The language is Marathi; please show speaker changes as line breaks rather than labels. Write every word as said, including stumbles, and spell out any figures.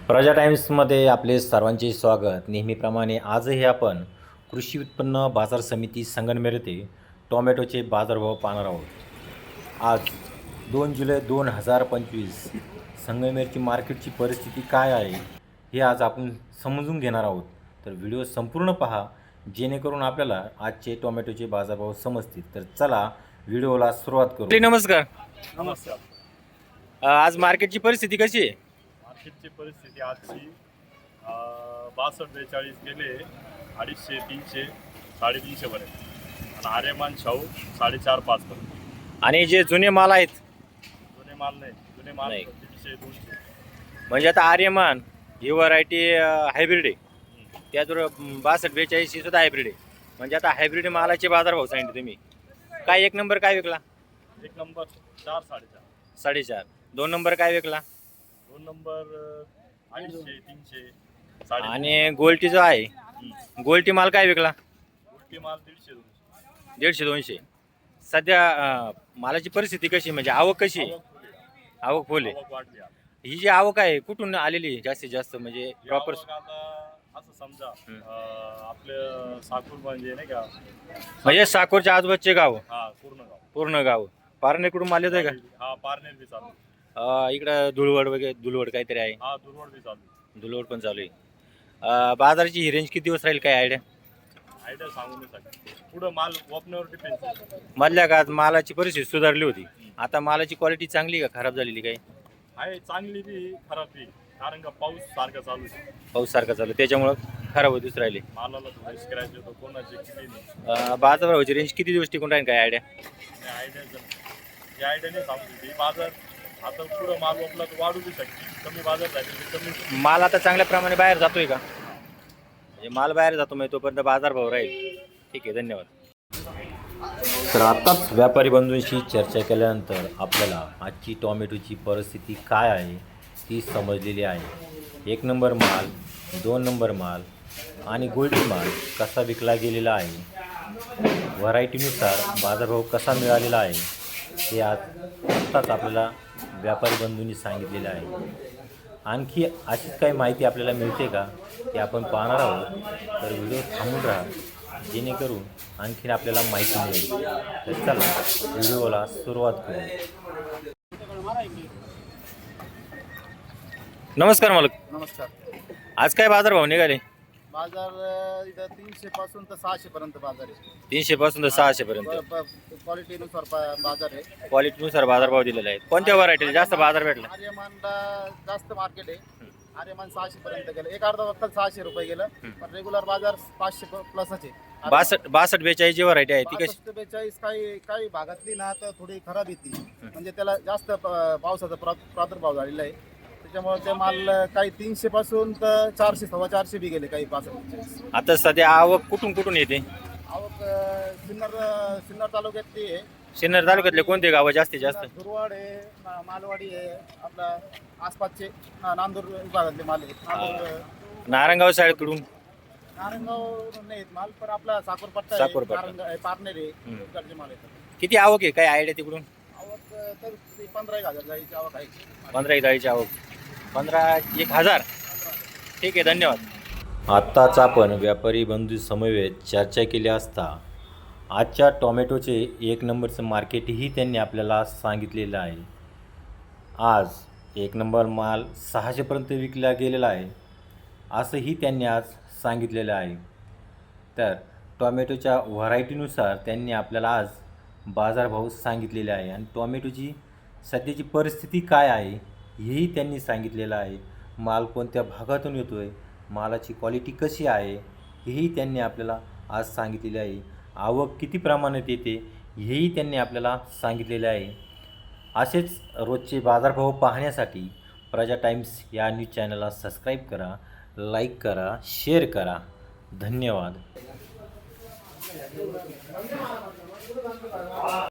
प्रजा टाइम्समध्ये आपले सर्वांचे स्वागत। नेहमीप्रमाणे आजही आपण कृषी उत्पन्न बाजार समिती संगमनेर येथे टोमॅटोचे बाजारभाव पाहणार आहोत। आज दोन जुलै दोन हजार पंचवीस संगमनेरची मार्केटची परिस्थिती काय आहे हे आज आपण समजून घेणार आहोत। तर व्हिडिओ संपूर्ण पहा जेणेकरून आपल्याला आजचे टोमॅटोचे बाजारभाव समजतील। तर चला व्हिडिओला सुरुवात करू। नमस्कार।
नमस्कार।
आज मार्केटची परिस्थिती कशी आहे?
मार्केटची परिस्थिती आजची बासष्ट बेचाळीस गेले अडीचशे तीनशे साडेतीनशे पर्यंत आणि आर्यमान शाहू साडेचार पाच पर्यंत।
आणि जे जुने माल आहेत
जुने माल नाही, जुने माल
नाही.
दीडशे दोनशे
म्हणजे आता आर्यमान ही व्हरायटी हायब्रिड आहे, त्याचबरोबर बासष्ट बेचाळीस ही सुद्धा हायब्रिड आहे। म्हणजे आता हायब्रिड मालाचे बाजारभाव सांगितले तुम्ही। काय एक नंबर काय विकला?
एक नंबर चार साडेचार
साडेचार। दोन नंबर काय विकला?
दोन नंबर अडीचशे तीनशे साडे
आणि गोल्टी जो आहे गोल्टी माल काय विकला?
उलटी माल दीडशे दोनशे
दीडशे दोनशे। सध्या अं, मालाची परिस्थिती कशी, म्हणजे आवक कशी आहे? आवक फुल आहे।
आवक वाढली आता.
ही जी आवक आहे कुठून आलेली आहे जास्तीत जास्त, म्हणजे प्रॉपर?
आवक आता असं समजा अं, आपलं साकूर म्हणजे नाही का,
म्हणजे साकोरच्या आजूबाजूचे गाव,
हा पूर्ण गाव
पूर्ण गाव पारनेरकडून माल येतोय का?
हा पारनेर बी चालू,
अं, इकडं धुळवड वगैरे, धुळवड काहीतरी आहे,
हा दुर्वड बी चालू,
धुळवड पण चालू आहे। अं, बाजाराची ही रेंज किती दिवस राहील, काय आयडिया?
आयडिया सांगू नाही शकत। पुढं माल ओपनवर डिपेंड।
मधल्या काळात मालाची परिस्थिती सुधारली होती, आता मालाची क्वालिटी चांगली का खराब झालेली काय?
आहे चांगली बी खराब बी, कारण का पाऊस सारखा चालू आहे,
पाऊस सारखा चालू त्याच्यामुळं खराब होतीच राहिले।
मालाला थोडं स्क्रॅच होतो, कोणाचे किती नाही।
अं, बाजाराची रेंज किती दिवस टिकून राहील, काय आयडिया?
आयडिया जर आयडिया नाही सांगू शकते बाजार। आता पुढं माल ओपला तर वाढू बी शकते, कमी बाजार झाले तर कमी।
माल आता चांगल्या प्रमाणे बाहेर जातोय का? म्हणजे माल बाहेर जातो म्हणजे तोपर्यंत बाजारभाव राहील। ठीक आहे, धन्यवाद। तर आताच व्यापारी बंधूंशी चर्चा केल्यानंतर आपल्याला आजची टोमॅटोची परिस्थिती काय आहे ती समजलेली आहे। एक नंबर माल, दोन नंबर माल आणि गोल्डी माल कसा विकला गेलेला आहे, व्हरायटीनुसार बाजारभाव कसा मिळालेला आहे हे आज आत्ताच आपल्याला व्यापारी बंधूंनी सांगितलेलं आहे। आणखी अशीच काही माहिती आपल्याला मिळते का ते आपण पाहणार आहोत। तर व्हिडिओ थांबून राहा जेणेकरून आणखीन आपल्याला माहिती मिळेल। तर चला व्हिडिओला सुरुवात करू। नमस्कार मालक।
नमस्कार।
आज काय बाजारभाव निघाले?
बाजार अ, इथं तीनशे पासून तर सहाशे पर्यंत बाजार आहे।
तीनशे पासून तर सहाशे पर्यंत
क्वालिटीनुसार पा- बाजार आहे।
क्वालिटीनुसार बाजारभाव दिलेला आहे। कोणत्या व्हरायटीला जास्त बाजार भेटला?
आर्यमानला जास्त मार्केट आहे। आर्यमान सहाशे पर्यंत गेलं, एक अर्धा वक्त सहाशे रुपये गेलं, पण रेग्युलर बाजार पाचशे प्लसच आहे।
बासष्ट बासष्ट बेचाळीस जी व्हरायटी आहे ती कशी?
बासष्ट बेचाळीस काही काही भागातली ना तर थोडी खराब येते, म्हणजे त्याला जास्त प- पावसाचा प्रा- प्रादुर्भाव झालेला आहे, त्याच्यामुळे ते माल काही तीनशे पासून तर चारशे सव्वा चारशे बी गेले काही बासष्ट बेचाळीस।
आता सध्या आवक कुठून कुठून येते?
आवक अ, सिन्नर सिन्नर तालुक्यातली आहे।
सिन्नर तालुक्यातले कोणते गाव जास्तीत जास्त?
दुर्वाड आहे, मा- मालवाडी आहे, आपला आसपासचे ना- नांदूर विभागातले माल आहेत। नांदूर
नारायणगाव साईडकडून
नारायणगाव नाही आहेत माल, पण आपला साकोरपट्टा आहे,
साकोरपट्टा.
नारायणगाव आहे, पारनेर आहे, इकडचे माल आहेत।
किती आवक आहे, काय आयडिया तिकडून?
आवक अ, तर ती पंधरा एक हजार जायची आवक आहे।
पंधरा एक जाळीची आवक, पंधरा एक हजार। ठीक आहे, धन्यवाद। आत्ताच आपण व्यापारी बंधू समवेत चर्चा केली असता आजच्या टोमॅटोचे एक नंबरचं मार्केटही त्यांनी आपल्याला सांगितलेलं आहे। आज एक नंबर माल सहाशेपर्यंत विकला गेलेला आहे असंही त्यांनी आज सांगितलेलं आहे। तर टोमॅटोच्या व्हरायटीनुसार त्यांनी आपल्याला आज बाजारभाव सांगितलेले आहे आणि टोमॅटोची सध्याची परिस्थिती काय आहे हेही त्यांनी सांगितलेलं आहे। माल कोणत्या भागातून येतो आहे, मालाची क्वालिटी कशी आहे हेही त्यांनी आपल्याला आज सांगितलेले आहे। आवक किती प्रमाणात येते हेही त्यांनी आपल्याला सांगितलेले आहे। असेच रोजचे बाजारभाव पाहण्यासाठी प्रजा टाइम्स या न्यूज चॅनलला सबस्क्राईब करा, लाईक करा, शेअर करा। धन्यवाद।